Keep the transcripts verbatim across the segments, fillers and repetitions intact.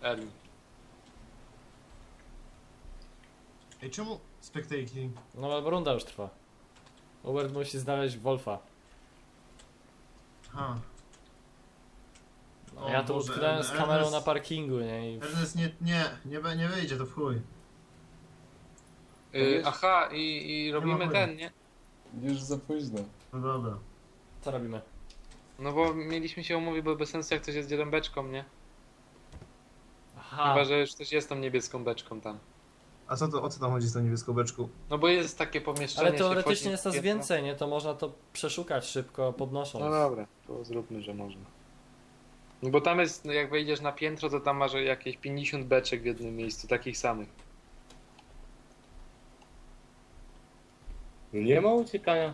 Erwin. Ej, czemu spectating? No bo runda już trwa. Hubert musi znaleźć Wolfa. Ha. No, O ja tu Boże, utknąłem z Ernest- kamerą na parkingu, nie? I... Ernest, nie, nie, nie, be- nie wyjdzie to w chuj. Yy, aha, i, i robimy chuja. ten, nie? Już za późno. No dobra. Co robimy? No bo mieliśmy się umówić, bo bez sensu jak ktoś jest dzielą beczką, nie? Aha. Chyba, że już ktoś jest tą niebieską beczką tam. A co to, o co tam chodzi z tą niebieską beczką? No bo jest takie pomieszczenie. Ale się teoretycznie wchodzi jest w nas piętro. więcej, nie? To można to przeszukać szybko, podnosząc. No dobra, to zróbmy, że można. No bo tam jest, no jak wejdziesz na piętro, to tam masz jakieś pięćdziesiąt beczek w jednym miejscu, takich samych. No nie ma uciekania.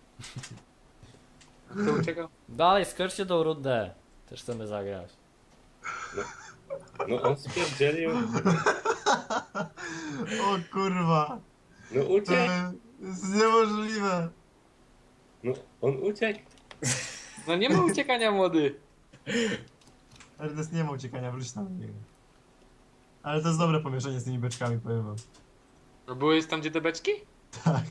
Kto uciekał? Dalej, skoczcie tą rundę. Też chcemy zagrać. No on spierdzielił. O kurwa. No To uciekł. jest niemożliwe. No on uciekł. No nie ma uciekania, młody. Ernest nie ma uciekania, wróć tam do niego. Ale to jest dobre pomieszczenie z tymi beczkami, powiem wam. No byłeś tam, gdzie te beczki? Tak.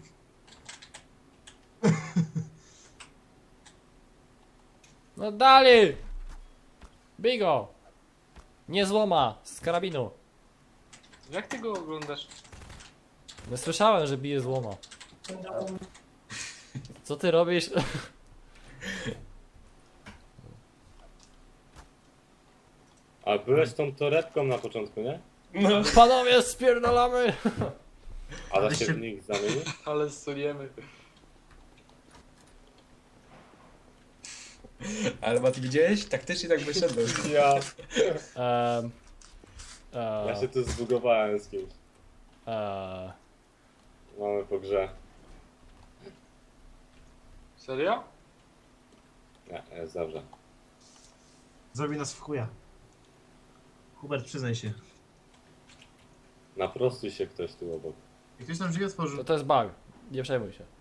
No dalej! Bigo! Nie złoma! Z karabinu! Jak ty go oglądasz? Nie słyszałem, że bije złoma. Co ty robisz? A byłeś tą torebką na początku, nie? No. Panowie, spierdalamy! A da Ale się się- w nich zamienił? Ale suniemy. Ale Mati, widziałeś? Taktycznie tak wyszedłem. Ja. Um, Ja się tu zbugowałem z kimś. uh, Mamy po grze. Serio? Nie, jest dobrze. Zrobi nas w chuja. Hubert, przyznaj się. Naprostuj się ktoś tu obok. Jak ktoś nam drzwi otworzył. to, to jest bug. Nie przejmuj się.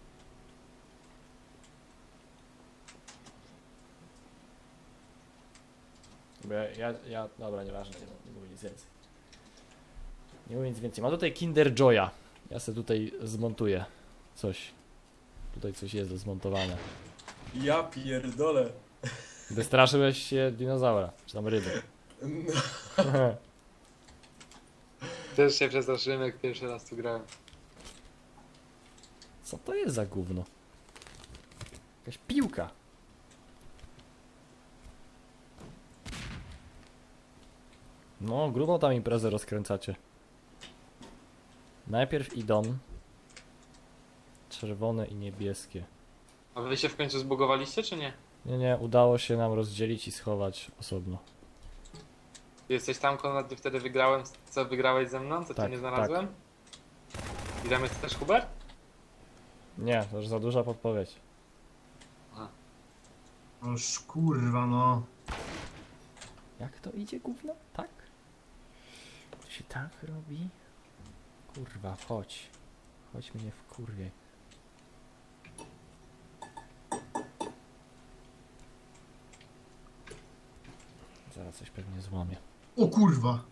Bo ja, ja, ja dobra, nieważne, nie, nie mówię nic więcej. Nie mówię nic więcej. Mam tutaj Kinder Joya. Ja sobie tutaj zmontuję coś. Tutaj coś jest do zmontowania. Ja pierdolę. Wystraszyłeś się dinozaura, czy tam ryby. No. Też się przestraszyłem, jak pierwszy raz tu grałem. Co to jest za gówno? Jakaś piłka. No, grubo tam imprezę rozkręcacie. Najpierw idą czerwone i niebieskie. A wy się w końcu zbugowaliście, czy nie? Nie, nie, udało się nam rozdzielić i schować osobno. Ty jesteś tam, Konrad, gdy wtedy wygrałem, co wygrałeś ze mną, co Tak, cię nie znalazłem? I tam jest też Hubert? Nie, to już za duża podpowiedź. Oż kurwa no. Jak to idzie gówno? Tak? To się tak robi? Kurwa, chodź. Chodź mnie w kurwie. Zaraz coś pewnie złamie. O kurwa.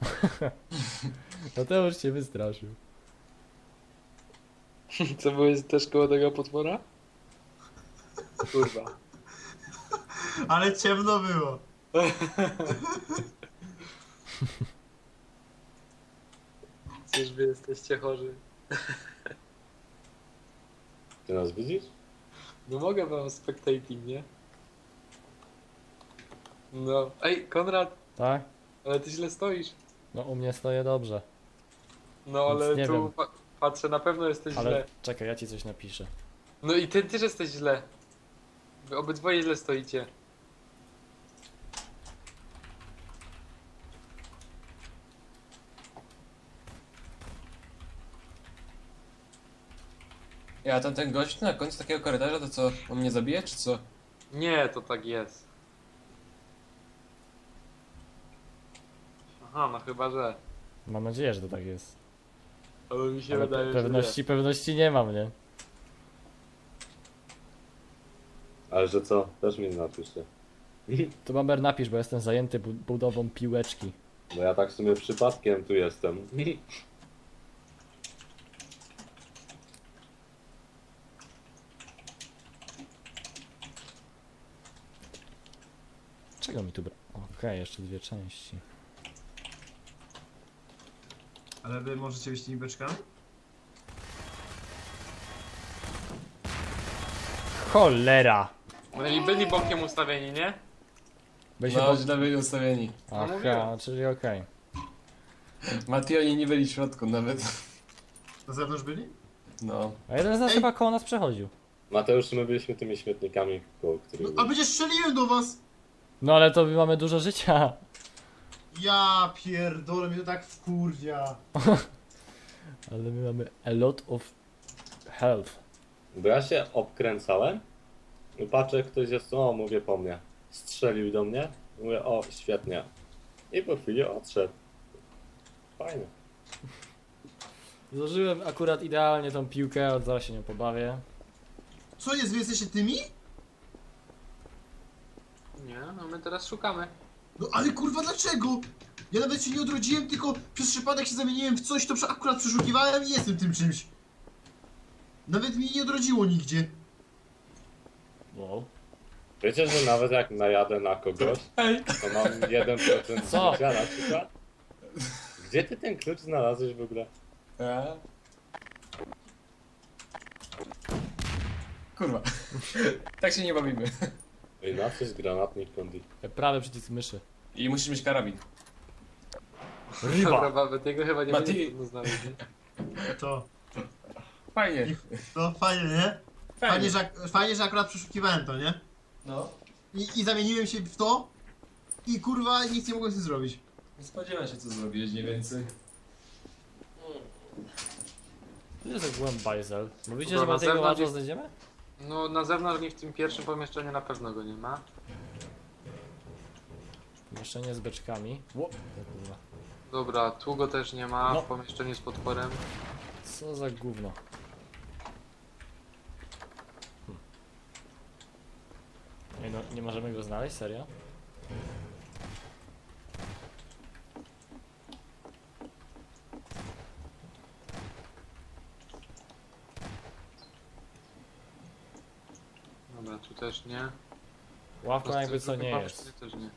No to już cię wystraszył. Co, byłeś też koło tego potwora? Kurwa. Ale ciemno było. Cóż wy jesteście chorzy. Ty nas widzisz? No mogę wam spectating, nie? No. Ej, Konrad, Tak? ale ty źle stoisz. No u mnie stoję dobrze. No Nic ale nie tu wiem. pa patrzę, na pewno jesteś Ale źle. czekaj, ja ci coś napiszę. No i ty też jesteś źle. Wy obydwoje źle stoicie. Ja tam ten gość na końcu takiego korytarza, to co? On mnie zabije, czy co? Nie, to tak jest. Aha, no chyba, że. Mam nadzieję, że to tak jest. Ale mi się Ale wydaje, pe pewności, pewności nie mam, nie? Ale że co? Też mi napiszcie. Tu Bamber napisz, bo jestem zajęty bu budową piłeczki. Bo ja tak w sumie przypadkiem tu jestem. Czego mi tu bra... Okej, jeszcze dwie części. Ale wy możecie być tymi beczkami? Cholera! Byli, byli bokiem ustawieni, nie? Byliśmy No, po... źle byli ustawieni. Aha, mówiłem. czyli okej. Mati, oni nie byli w środku nawet. Na zewnątrz byli? No. A jeden z nas Ej. chyba koło nas przechodził. Mateusz, my byliśmy tymi śmietnikami, koło których... No, a przecież strzeliłem do was! No ale to my mamy dużo życia. Ja pierdolę, mnie to tak wkurwia. Ale my mamy a lot of health. Bo ja się obkręcałem i patrzę, ktoś jest, o, mówię po mnie. Strzelił do mnie, mówię, o, świetnie. I po chwili odszedł. Fajnie. Złożyłem akurat idealnie tą piłkę, od zaraz się nią pobawię. Co jest, wy jesteście tymi? Nie, no my teraz szukamy. No ale kurwa dlaczego? Ja nawet się nie odrodziłem, tylko przez przypadek się zamieniłem w coś, to prze- akurat przeszukiwałem i jestem tym czymś. Nawet mi nie odrodziło nigdzie. Wow. Wiecie, że nawet jak najadę na kogoś, Ej! to mam jeden procent Co? życia na przykład. Gdzie ty ten klucz znalazłeś w ogóle? A? Kurwa. Tak się nie bawimy. Ej, na coś granatnik kondi. Prawy przycisk myszy. I musisz mieć karabin. Ryba! Chyba, tego chyba nie Mati. będzie trudno znaleźć. nie? To, Fajnie. to fajnie, nie? Fajnie, że, ak- fajnie, że akurat przeszukiwałem to, nie? No. I, I zamieniłem się w to i kurwa nic nie mogłem z tym zrobić. Nie spodziewam się, co zrobiłeś mniej więcej. To jest jak byłem bajzel. Mówicie, Dobra, że na ma tego zewnątrz łatwo jest- znajdziemy? No na zewnątrz nie w tym pierwszym pomieszczeniu na pewno go nie ma. Pomieszczenie z beczkami. Ło, o kurwa. Dobra, tu go też nie ma No. w pomieszczeniu z potworem. Co za gówno. Hm. Nie, no, nie możemy go znaleźć, serio? Dobra, tu też nie. Ławka jakby co Drugim nie pomieszczeniu jest. też nie.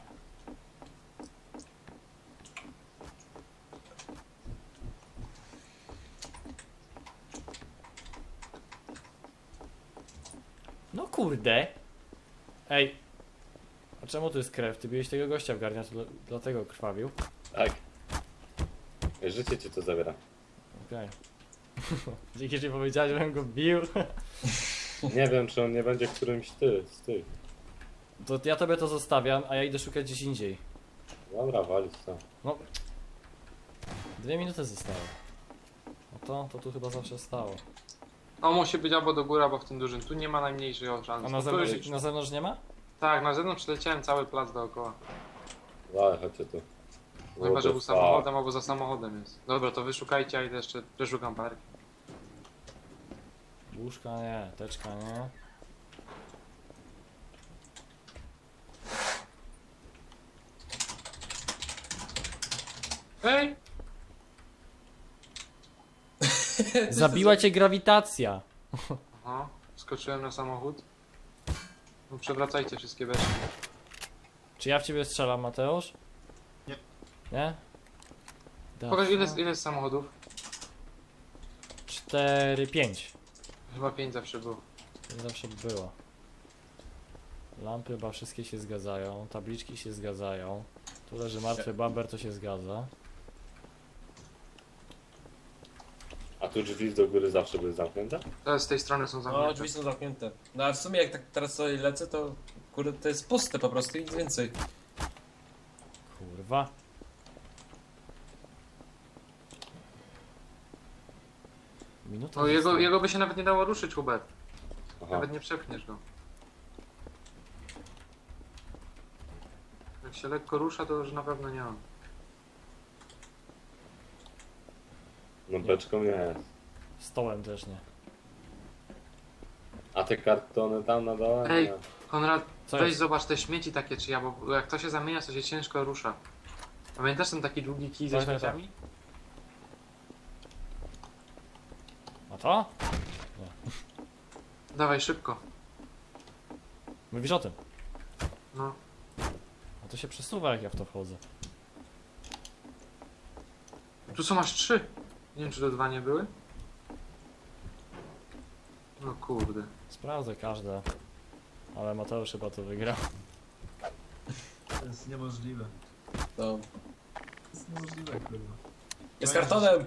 No kurde! Ej! A czemu tu jest krew? Ty biłeś tego gościa w garniacu, dla- dlatego krwawił. Tak. Ej, życie ci to zabiera. Okej. Dzięki, że powiedziałeś, żebym go bił. Nie wiem, czy on nie będzie którymś ty, z tych. To ja tobie to zostawiam, a ja idę szukać gdzieś indziej. Dobra, walić to. No. Dwie minuty zostały. No to, to tu chyba zawsze stało. On musi być albo do góry, albo w tym dużym. Tu nie ma najmniejszej szans. A na Tu zewnątrz, już- na zewnątrz nie ma? Tak, na zewnątrz przeleciałem cały plac dookoła. Dalej, chodźcie tu. Chyba, że był What the samochodem, albo za samochodem jest. Dobra, to wyszukajcie, a idę jeszcze przeszukam park. Łóżka nie, teczka nie. Ej! Zabiła cię grawitacja! Aha, skoczyłem na samochód. No przewracajcie wszystkie beczki. Czy ja w ciebie strzelam, Mateusz? Nie. Nie? Da- Pokaż ile, jest- ile jest samochodów? Cztery, pięć. Chyba pięć zawsze było. To zawsze było. Lampy chyba wszystkie się zgadzają, tabliczki się zgadzają. Tu leży martwy bamber, to się zgadza. A tu drzwi do góry zawsze były zamknięte? Teraz z tej strony są No, zamknięte. drzwi są zamknięte. No a w sumie jak tak teraz sobie lecę, to kurde, to jest puste po prostu i nic więcej. Kurwa. Minuta No jego, została. jego by się nawet nie dało ruszyć, Hubert. Aha. Nawet nie przepchniesz go. Jak się lekko rusza, to już na pewno nie on. No beczką nie jest. Stołem też nie. A te kartony tam na dole? Ej. Nie. Konrad, Co weź jest? zobacz te śmieci takie czy ja, bo jak to się zamienia, to się ciężko rusza. Pamiętasz ten taki długi kij ze Tak, tak, tak. śmieciami? A to? Dawaj szybko. Mówisz o tym. No. A to się przesuwa jak ja w to wchodzę. Tu są aż trzy. Nie wiem czy to dwa nie były? No kurde. Sprawdzę każde. Ale Mateusz chyba to wygrał. To jest niemożliwe. No. To jest niemożliwe, kurwa. Jest kartonem!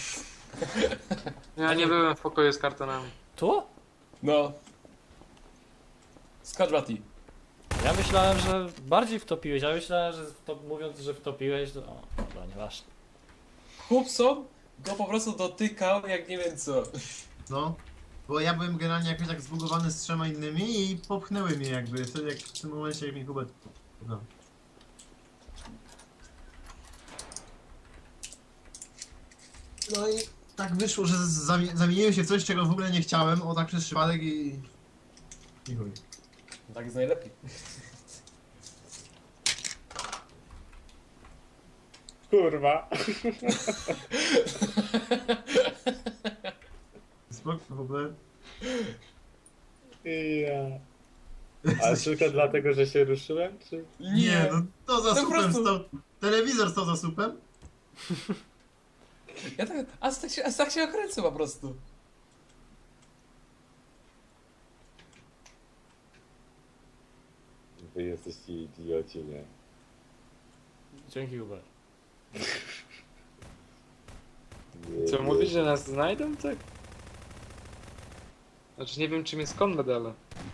Ja nie byłem w pokoju z kartonami. Tu? No. Skocz Mati. Ja myślałem, że bardziej wtopiłeś, ja myślałem, że to, mówiąc, że wtopiłeś, to... O, dobra, nieważne. Chłopco go po prostu dotykał jak nie wiem co. No. Bo ja byłem generalnie jakoś tak zbugowany z trzema innymi i popchnęły mnie jakby. Wtedy jak w tym momencie jak mi Hubert... No. No i tak wyszło, że zami- zamieniłem się w coś, czego w ogóle nie chciałem, o tak przez przypadek i... I chuj. Tak jest najlepiej. Kurwa. Spoko, w ogóle... Ja. Ale tylko dlatego, że się ruszyłem, czy? Nie, no to za To po supem prostu- stał... Telewizor stał za supem? Ja tak, a tak się, a tak się okręcę po prostu. Wy jesteście idioci, nie? Dzięki, Hubert. Nie, Co nie. mówisz, że nas znajdą, tak? Znaczy nie wiem czym jest Konrad, ale...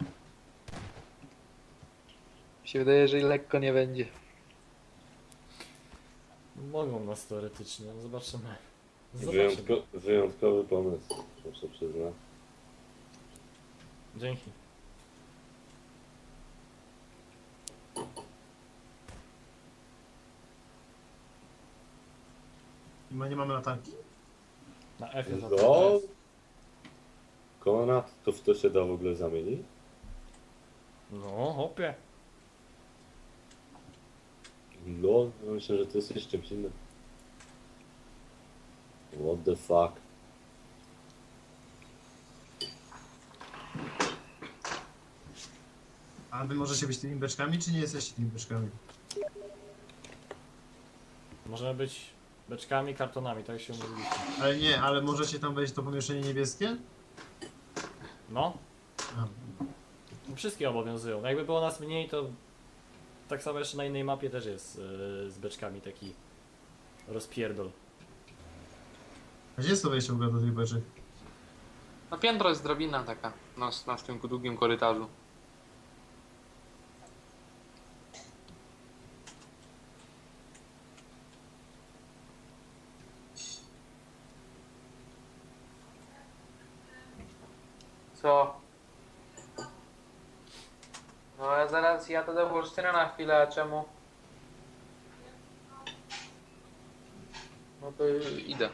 Mi się wydaje, że i lekko nie będzie. Mogą nas teoretycznie, no zobaczymy. Zobaczymy. Wyjątko, wyjątkowy pomysł, muszę przyznać. Dzięki. I ma, nie mamy latarki? Na F jest No. Konrad, to w to się da w ogóle zamienić? No, hopie. No, myślę, że to jest jeszcze czymś innym. What the fuck? A wy możecie być tymi beczkami, czy nie jesteście tymi beczkami? Możemy być beczkami, kartonami, tak się umówiliśmy. Ale nie, ale możecie tam wejść w to pomieszczenie niebieskie? No, A. wszystkie obowiązują. Jakby było nas mniej, to tak samo jeszcze na innej mapie też jest yy, z beczkami taki rozpierdol. A gdzie jest to wejście w ogóle do tych beczek? No piętro jest drabina taka. Na, na tym długim korytarzu. Co? No ja zaraz ja to do bursztynu na chwilę, a czemu? No to idę.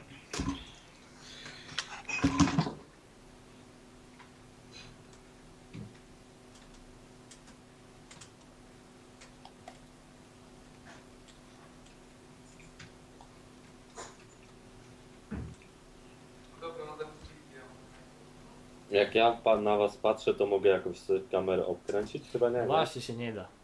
Dobra, no Jak ja pa- na was patrzę, to mogę jakąś sobie kamerę obkręcić? Chyba nie. nie? Właśnie się nie da.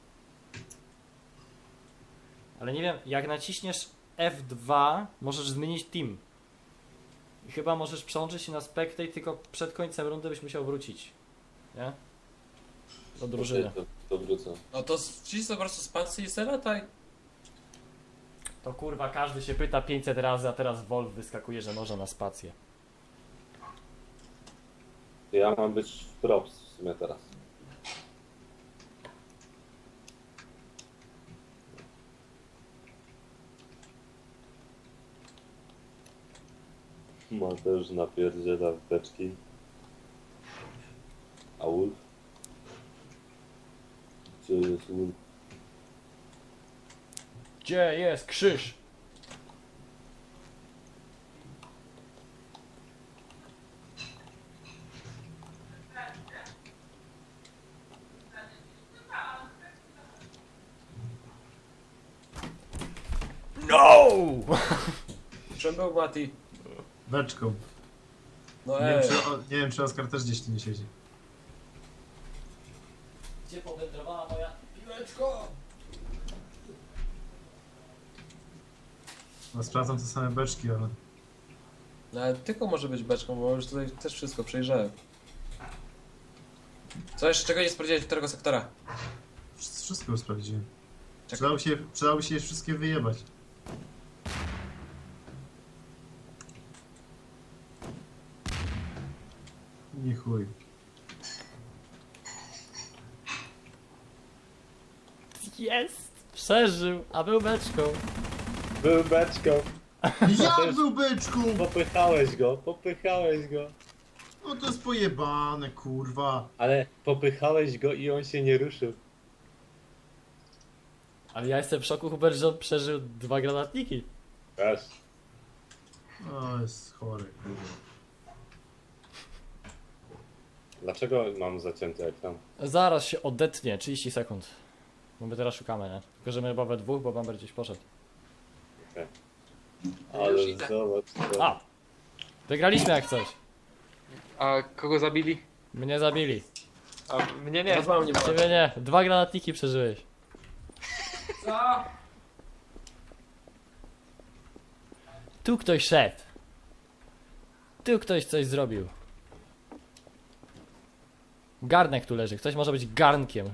Ale nie wiem, jak naciśniesz F dwa, możesz zmienić team. I chyba możesz przełączyć się na spectate, tylko przed końcem rundy byś musiał wrócić. Nie? Do drużyny. To, to wrócę. No to wciśnij po prostu spację i se lataj. To kurwa, każdy się pyta pięćset razy, a teraz Wolf wyskakuje, że można na spację. Ja mam być w props w sumie teraz. Mateusz napierdziela w beczki. A Wolf? Gdzie jest Wolf? Gdzie jest krzyż? No! Czym był Mati? Beczką. No Nie wiem, ej. czy, o, nie wiem, czy Oskar też gdzieś tu nie siedzi. Gdzie powędrowała moja piłeczko? No, sprawdzam te same beczki, ale... No ale tylko może być beczką, bo już tutaj też wszystko przejrzałem. Co jeszcze, czego nie sprawdziłeś, którego sektora? Wsz- Wszystko już sprawdziłem. Czekaj. Przydałoby się, przydałoby się je wszystkie wyjebać. Nie chuj. Jest! Przeżył, a był beczką. Był beczką. Jak był beczką? Popychałeś go, popychałeś go. No to jest pojebane, kurwa. Ale popychałeś go i on się nie ruszył. Ale ja jestem w szoku, Hubert, że on przeżył dwa granatniki. Wiesz. No jest chory, kurwa. Dlaczego mam zacięty ekran? Zaraz się odetnie, trzydzieści sekund. Bo my teraz szukamy, nie? Tylko, że my chyba we dwóch, bo Bamber gdzieś poszedł. Ale już idę. zobacz to. A! Wygraliśmy jak coś. A kogo zabili? Mnie zabili. A mnie nie. Teraz mam nie ma. Ciebie nie. Dwa granatniki przeżyłeś. Co? Tu ktoś szedł. Tu ktoś coś zrobił. Garnek tu leży. Ktoś może być garnkiem.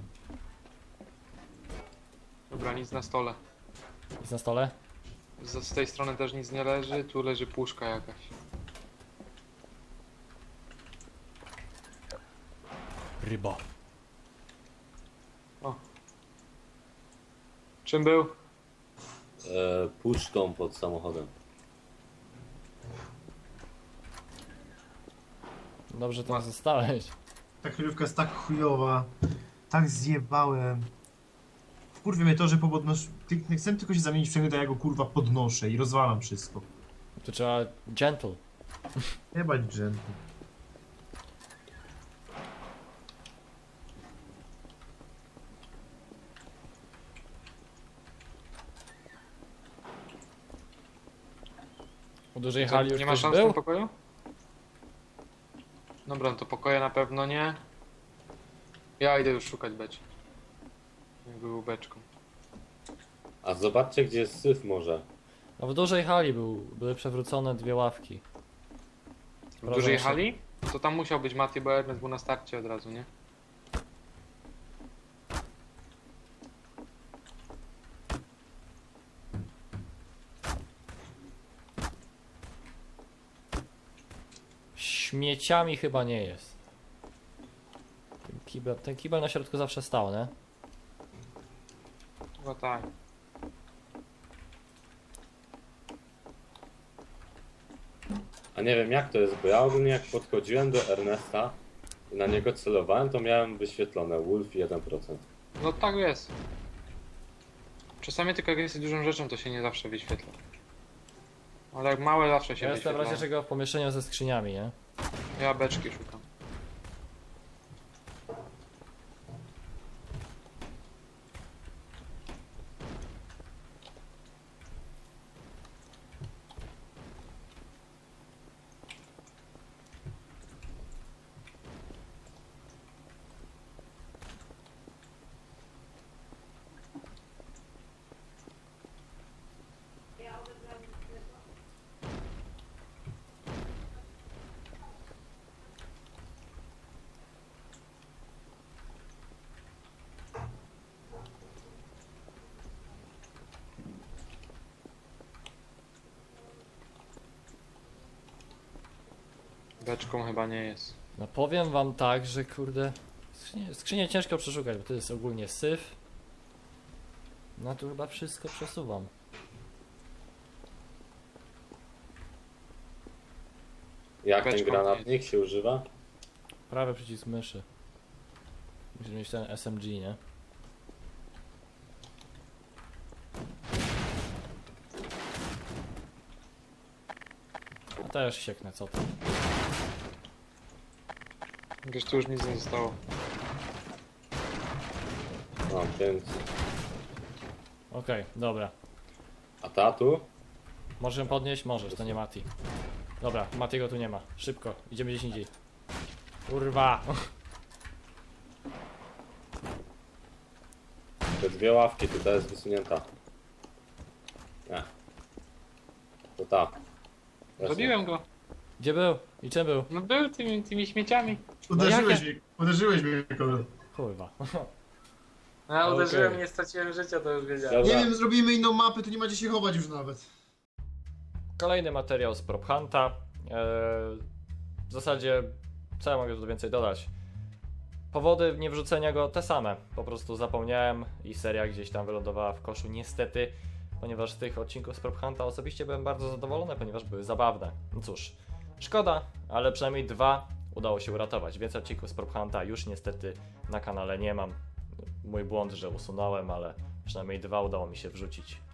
Dobra, nic na stole. Jest na stole? Z, z tej strony też nic nie leży, tu leży puszka jakaś. Ryba. Czym był? E, puszką pod samochodem. Dobrze tam zostałeś. Ta kryjówka jest tak chujowa. Tak zjebałem. Wkurwie mnie to, że po podnosz... Ty- Chcę tylko się zamienić w przedmiot, a ja go kurwa podnoszę i rozwalam wszystko. Tu trzeba gentle. Jebać dżenty. U dużej Co, hali już nie ma ktoś szans w tym był? pokoju? Dobra, no to pokoje na pewno nie. Ja idę już szukać beczki. Jak był beczką. A zobaczcie, gdzie jest syf może. No w dużej hali był, były przewrócone dwie ławki. W Proszę dużej się. hali? To tam musiał być Mati, bo Ernest był na starcie od razu, nie? Śmieciami chyba nie jest. Ten kibel, ten kibel na środku zawsze stał, nie? Chyba tak. A nie wiem jak to jest, bo ja ogólnie jak podchodziłem do Ernesta i na niego celowałem, to miałem wyświetlone Wolf jeden procent. No tak jest. Czasami tylko jak jest dużą rzeczą, to się nie zawsze wyświetla. Ale jak małe zawsze się Ja jestem w wyświetla. razie czego w pomieszczeniu ze skrzyniami, nie? Ja beczki szukam. Beczką chyba nie jest. No powiem wam tak, że kurde... Skrzynię, skrzynię ciężko przeszukać, bo to jest ogólnie syf. No tu chyba wszystko przesuwam. Jak ten Beczką granatnik się używa? Prawy przycisk myszy. Musisz mieć ten S M G, nie? A też sieknę, co to? Wiesz, tu już nic nie zostało. No, więc Okej, dobra. A ta tu? Możesz ją podnieść? Możesz, to nie Mati. Dobra, Matiego tu nie ma. Szybko, idziemy gdzieś indziej. Kurwa! Te dwie ławki, tu ta jest wysunięta. Nie. To ta. Właśnie. Zabiłem go. Gdzie był? I czym był? No był tymi, tymi śmieciami. Uderzyłeś jakie? mnie, uderzyłeś mnie, kolor. Kurwa. No, ja uderzyłem Okej. i nie straciłem życia, to już wiedziałem. Nie Dobra. wiem, zrobimy inną mapę, tu nie ma gdzie się chować już nawet. Kolejny materiał z Prop Hunta. Eee, w zasadzie, co ja mogę tu więcej dodać? Powody niewrzucenia go te same. Po prostu zapomniałem i seria gdzieś tam wylądowała w koszu, niestety. Ponieważ z tych odcinków z Prop Hunta osobiście byłem bardzo zadowolony, ponieważ były zabawne. No cóż, szkoda, ale przynajmniej dwa udało się uratować. Więcej odcinków z Prop Hunta już niestety na kanale nie mam. Mój błąd, że usunąłem, ale przynajmniej dwa udało mi się wrzucić.